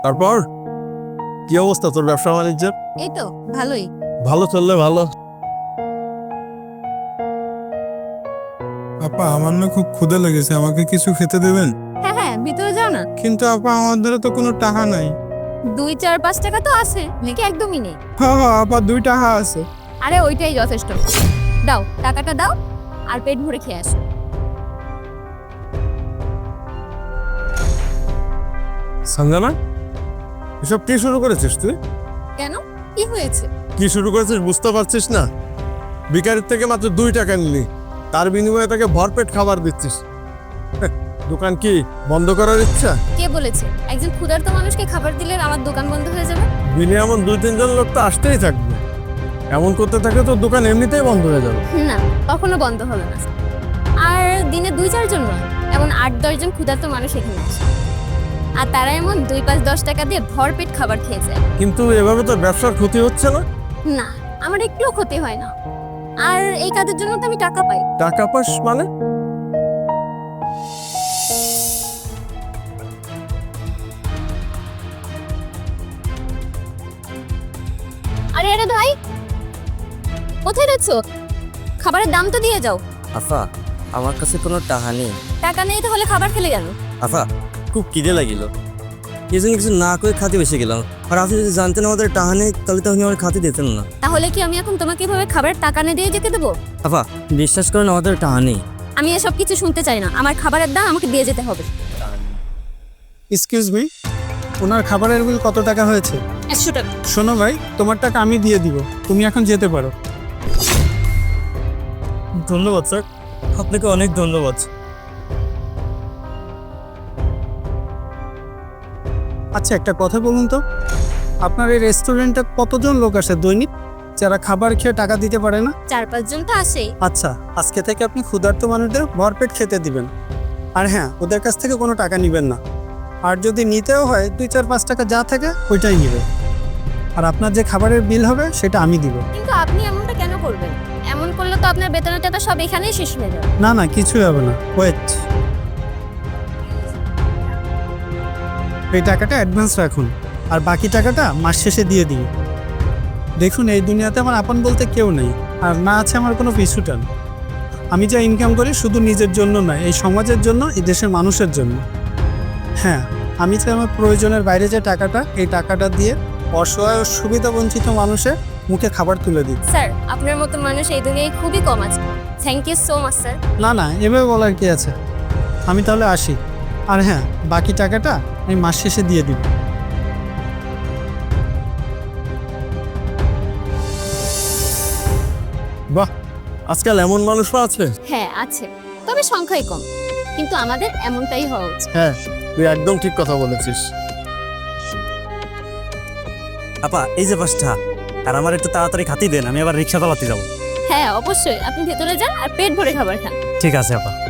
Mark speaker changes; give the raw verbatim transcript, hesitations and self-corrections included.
Speaker 1: তারপর কি অবস্থা তোর ব্যবসা বাণিজ্যের?
Speaker 2: এই তো ভালোই।
Speaker 1: ভালো চললে ভালো।
Speaker 3: আপা আমার না খুব ক্ষুধা লেগেছে, আমাকে কিছু খেতে দেবেন?
Speaker 2: হ্যাঁ হ্যাঁ, ভিতরে যাও না।
Speaker 3: কিন্তু আপা আমাদের তো কোনো টাকা নাই।
Speaker 2: দুই চার পাঁচ টাকা তো আছে নাকি? একদমই নেই।
Speaker 3: হ্যাঁ হ্যাঁ আপা, দুই টাকা আছে।
Speaker 2: আরে ওইটাই যথেষ্ট। দাও টাকাটা দাও আর পেট ভরে খেয়ে আসো।
Speaker 1: সঞ্জনা, এসব কি শুরু করেছিস তুই?
Speaker 2: কেন, কি হয়েছে?
Speaker 1: কি শুরু করেছিস বুঝতে পারছিস না? বিকারের থেকে মাত্র দুই টাকা নিলি, তার বিনিময়ে তাকে ভরপেট খাবার দিচ্ছিস। হ্যাঁ, দোকান কি বন্ধ করার ইচ্ছা?
Speaker 2: কে বলেছে একজন ক্ষুধার্ত মানুষকে খাবার দিলে আমার দোকান বন্ধ হয়ে যাবে?
Speaker 1: দিনে এমন দুই তিনজন লোক তো আসতেই থাকবে। এমন করতে থাকলে তো দোকান এমনিতেই বন্ধ হয়ে যাবে।
Speaker 2: না, কখনো বন্ধ হবে না। আর দিনে দুই চারজন নয়, এমন আট দশজন ক্ষুধার্ত মানুষ এখানে আসে, আর তারা এমন দুই পাঁচ দশ টাকা দিয়ে ভরপেট খাবার খেয়ে যায়।
Speaker 1: কিন্তু এভাবে তো ব্যবসার ক্ষতি হচ্ছে না?
Speaker 2: না, আমার একটুও ক্ষতি হয় না। আর এই কাজের জন্য তো আমি টাকা পাই।
Speaker 1: টাকা পাস মানে?
Speaker 2: আরে আরে ভাই, কোথায় যাচ্ছ? খাবারের দাম তো দিয়ে যাও।
Speaker 4: আফা, আমার কাছে কোনো টাকা নেই।
Speaker 2: টাকা নেই তাহলে খাবার খেলে গেল?
Speaker 4: আফা, খুব খিদে লাগিল, এই জন্য কিছু না করে খাতে বেসে গেলাম। আর আপনি যদি জানতেন আমাদের টাকা নেই তাহলে তো আপনি আমার খাতে দিতেন না।
Speaker 2: তাহলে কি আমি এখন তোমাকে এভাবে খাবারের টাকা না দিয়ে যেতে দেবো?
Speaker 4: আফা, বিশ্বাস করেন আমাদের টাকা নেই।
Speaker 2: আমি এসব কিছু শুনতে চাই না। আমার খাবারের দাম আমাকে দিয়ে যেতে হবে।
Speaker 3: এক্সকিউজ মি, ওনার খাবারের বিল কত টাকা হয়েছে?
Speaker 2: একশো টাকা।
Speaker 3: শোনো ভাই, তোমার টাকা আমি দিয়ে দিব, তুমি এখন যেতে পারো।
Speaker 4: ধন্যবাদ স্যার, আপনাকে অনেক ধন্যবাদ।
Speaker 3: আচ্ছা একটা কথা বলুন তো, আপনার এই রেস্টুরেন্টে কতজন লোক আসে দৈনিক যারা খাবার খেয়ে টাকা দিতে পারে না?
Speaker 2: চার পাঁচজন তো আসেই।
Speaker 3: আচ্ছা, আজকে থেকে আপনি ক্ষুধার্ত মানুষদের ভরপেট খেতে দিবেন। আর হ্যাঁ, ওদের কাছ থেকে কোনো টাকা নেবেন না। আর যদি নিতেও হয় দুই চার পাঁচ টাকা যা থাকে ওইটাই নেবে। আর আপনার যে খাবারের বিল হবে সেটা আমি দিব।
Speaker 2: কিন্তু আপনি এমনটা কেন করবেন? এমন করলে তো আপনার বেতনের টাকা সব এখানেই শেষ হয়ে যাবে।
Speaker 3: না না, কিছুই হবে না, ওয়েট। এই টাকাটা অ্যাডভান্স রাখুন, আর বাকি টাকাটা মাস শেষে দিয়ে দিন। দেখুন, এই দুনিয়াতে আমার আপন বলতে কেউ নেই, আর না আছে আমার কোনো পিছুটান। আমি যা ইনকাম করি শুধু নিজের জন্য নয়, এই সমাজের জন্য, এই দেশের মানুষের জন্য। হ্যাঁ, আমি চাই আমার প্রয়োজনের বাইরে যে টাকাটা, এই টাকাটা দিয়ে অসহায় ও সুবিধাবঞ্চিত মানুষের মুখে খাবার তুলে দিই।
Speaker 2: স্যার, আপনার মতো মানুষ এই দুনিয়ায় খুবই কম আছে। Thank you so much sir.
Speaker 3: না না, এভাবে বলার কি আছে। আমি তাহলে আসি। আর হ্যাঁ, বাকি টাকাটা আমি মাস শেষে দিয়ে দিব।
Speaker 1: বাহ, আজকাল এমন মানুষও আছে।
Speaker 2: হ্যাঁ আছে, তবে সংখ্যাই কম। কিন্তু আমাদের এমনটাই হওয়া উচিত।
Speaker 1: হ্যাঁ, তুই একদম ঠিক কথা বলেছিস।
Speaker 4: আপা, এই যে পাঁচটা, আর আমার একটু তাড়াতাড়ি খাতি দেন, আমি আবার রিক্সা চালাতে যাবো।
Speaker 2: হ্যাঁ অবশ্যই, আপনি ভেতরে যান আর পেট ভরে খাবার খান।
Speaker 4: ঠিক আছে আপা।